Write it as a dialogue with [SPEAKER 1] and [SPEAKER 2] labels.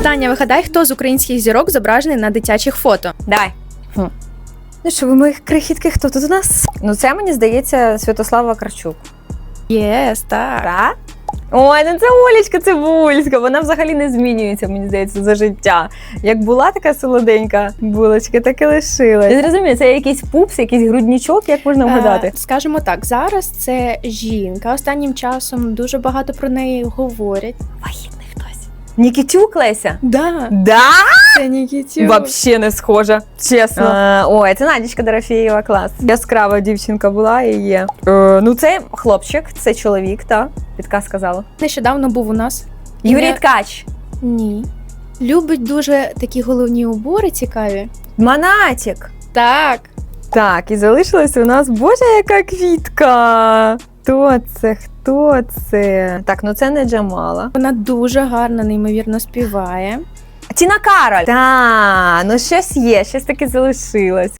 [SPEAKER 1] Таня, вигадай, хто з українських зірок зображений на дитячих фото?
[SPEAKER 2] Давай. Ну що, ви моїх крихітки, хто тут у нас? Ну це, мені здається, Святослава Вакарчук.
[SPEAKER 1] Єс, так.
[SPEAKER 2] Так? Ой, ну це Олечка Цибульська, вона взагалі не змінюється, мені здається, за життя. Як була така солоденька булочка, так і лишилась. Я зрозумію, це якийсь пупс, якийсь грудничок, як можна вгадати?
[SPEAKER 1] Скажімо так, зараз це жінка. Останнім часом дуже багато про неї говорять.
[SPEAKER 2] Вагітний хтось. Нікітюк, Леся?
[SPEAKER 1] Да,
[SPEAKER 2] Да?
[SPEAKER 1] це Нікітюк.
[SPEAKER 2] Вообще не схожа, чесно. Ой, це Надічка Дорофєєва, клас. Яскрава дівчинка була і є. Ну це хлопчик, це чоловік, так? Підказ сказала.
[SPEAKER 1] Нещодавно був у нас.
[SPEAKER 2] Юрій Ткач.
[SPEAKER 1] Ні. Любить дуже такі головні убори цікаві.
[SPEAKER 2] Монатік.
[SPEAKER 1] Так.
[SPEAKER 2] Так, і залишилась у нас, боже, яка квітка. Хто це? Хто це? Так, ну це не Джамала.
[SPEAKER 1] Вона дуже гарно, неймовірно співає.
[SPEAKER 2] Тіна Кароль. Так, ну щось є, щось таки залишилось.